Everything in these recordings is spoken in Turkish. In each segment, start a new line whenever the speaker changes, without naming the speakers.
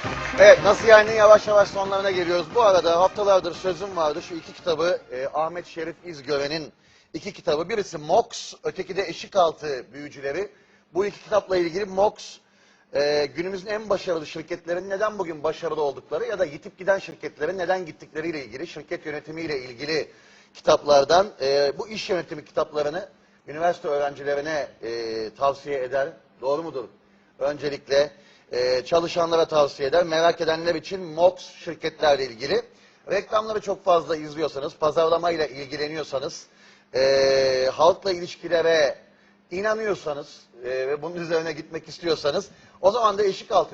Evet, nasıl yani yavaş yavaş sonlarına geliyoruz. Bu arada haftalardır sözüm vardı. Şu iki kitabı Ahmet Şerif İzgören'in iki kitabı. Birisi Mox, öteki de Eşikaltı Büyücüleri. Bu iki kitapla ilgili Mox, günümüzün en başarılı şirketlerin neden bugün başarılı oldukları ya da yitip giden şirketlerin neden gittikleriyle ilgili, şirket yönetimiyle ilgili kitaplardan. Bu iş yönetimi kitaplarını üniversite öğrencilerine tavsiye eder. Doğru mudur? Öncelikle çalışanlara tavsiye eder. Merak edenler için Mox şirketlerle ilgili. Reklamları çok fazla izliyorsanız, pazarlamayla ilgileniyorsanız, halkla ilişkilere inanıyorsanız ve bunun üzerine gitmek istiyorsanız, o zaman da Eşikaltı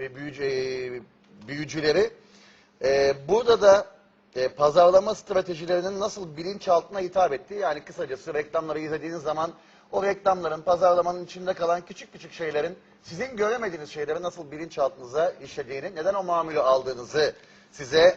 büyücüleri. Burada da pazarlama stratejilerinin nasıl bilinçaltına hitap ettiği, yani kısacası reklamları izlediğiniz zaman o reklamların, pazarlamanın içinde kalan küçük küçük şeylerin, sizin göremediğiniz şeyleri nasıl bilinçaltınıza işlediğini, neden o mamülü aldığınızı size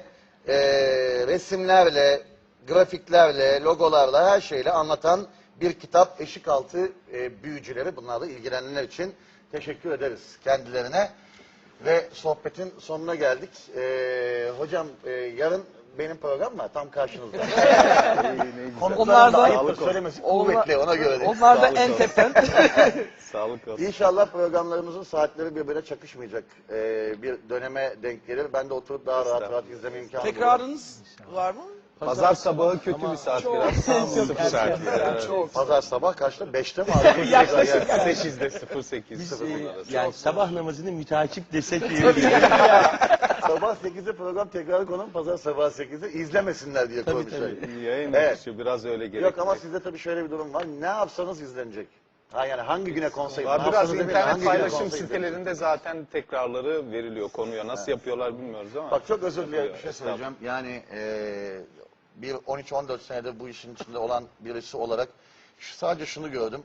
resimlerle, grafiklerle, logolarla, her şeyle anlatan bir kitap. Eşikaltı büyücüleri. Bunlarla ilgilenenler için teşekkür ederiz kendilerine. Ve sohbetin sonuna geldik. Hocam yarın benim program var tam karşınızda. Konukların da ayıptır söylemesi kuvvetli, ona göre değil.
Onlar da en tepen.
Sağlık olsun.
İnşallah programlarımızın saatleri birbirine çakışmayacak bir döneme denk gelir. Ben de oturup daha rahat izleme imkanı bulurum.
Tekrarınız var mı?
Pazar sabahı kötü bir saat biraz. 0 saat.
Pazar sabah kaçta? 5'te mi abi?
Yaklaşık 8'de 08.
Yani sabah namazını müteakip desek iyi.
Sabah 8'de program tekrarı konum, pazar sabah 8'de izlemesinler diye koymuşlar.
Yayın
Evet.
akışı biraz öyle gerekiyor.
Yok ama sizde tabii şöyle bir durum var. Ne yapsanız izlenecek. Ha yani hangi güne konsey?
Biraz internet paylaşım sitelerinde zaten tekrarları veriliyor konuya. Nasıl yapıyorlar bilmiyoruz ama.
Bak çok özür dilerim bir şey söyleyeceğim. Yani bir 13-14 senedir bu işin içinde olan birisi olarak sadece şunu gördüm.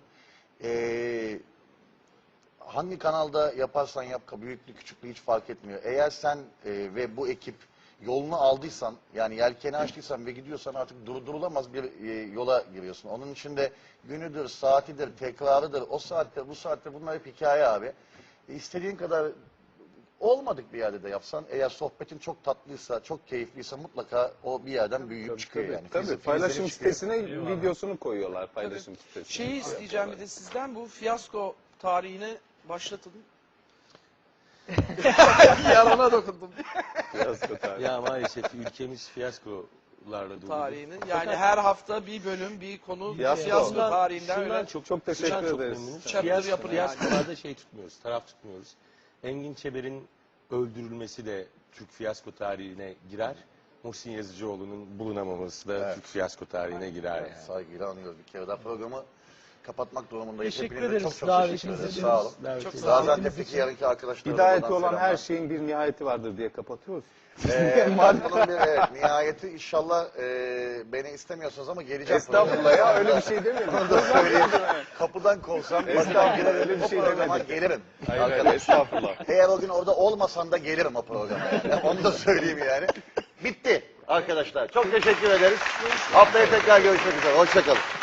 Hangi kanalda yaparsan yap, büyüklü küçüklü hiç fark etmiyor. Eğer sen ve bu ekip yolunu aldıysan, yani yelkeni açtıysan ve gidiyorsan artık durdurulamaz bir yola giriyorsun. Onun için de günüdür, saatidir, tekrarıdır, o saatte, bu saatte bunlar hep hikaye abi. İstediğin kadar olmadık bir yerde de yapsan, eğer sohbetin çok tatlıysa, çok keyifliyse mutlaka o bir yerden büyüyüp çıkıyor yani.
Tabii paylaşım sitesine videosunu koyuyorlar paylaşım sitesine.
Şeyi isteyeceğim bir de sizden, bu fiyasko tarihini başlatın. Yarana dokundum.
Fiyasko tarihi.
Ya maalesef ülkemiz fiyaskolarla dolu.
Tarihini. Yani her hafta bir bölüm, bir konu
Fiyasko.
fiyasko tarihinden
Şundan
öyle.
Çok teşekkür
şundan çok
ederiz.
memnunuz.
Chapter yapın yani.
Fiyaskolarda şey tutmuyoruz, taraf tutmuyoruz. Engin Çeber'in öldürülmesi de Türk fiyasko tarihine girer. Muhsin Yazıcıoğlu'nun bulunamaması da Türk fiyasko tarihine girer yani.
Saygıyla anıyoruz bir kere daha programı kapatmak durumundayız.
Teşekkür
Hepinize
ederiz.
çok teşekkür
Davetiniz
ederiz.
için.
Sağ olun.
Çok sağ olun.
Gaziantep'teki yarınki arkadaşlara
Hidayeti
buradan
olan
selamlar.
her şeyin bir nihayeti vardır diye kapatıyoruz.
Bunun bir nihayeti inşallah beni istemiyorsunuz ama geleceğim.
Estağfurullah ya öyle bir şey demedim.
Bunu da söyleyeyim. Kapıdan kovsam
Estağfurullah öyle bir şey
demedim. Gelirim.
Hayır
Arkadaş.
estağfurullah.
Eğer o gün orada olmasan da gelirim o programa. Yani. Onu da söyleyeyim yani. Bitti arkadaşlar. Çok teşekkür ederiz. Haftaya tekrar görüşmek üzere. Hoşça kalın.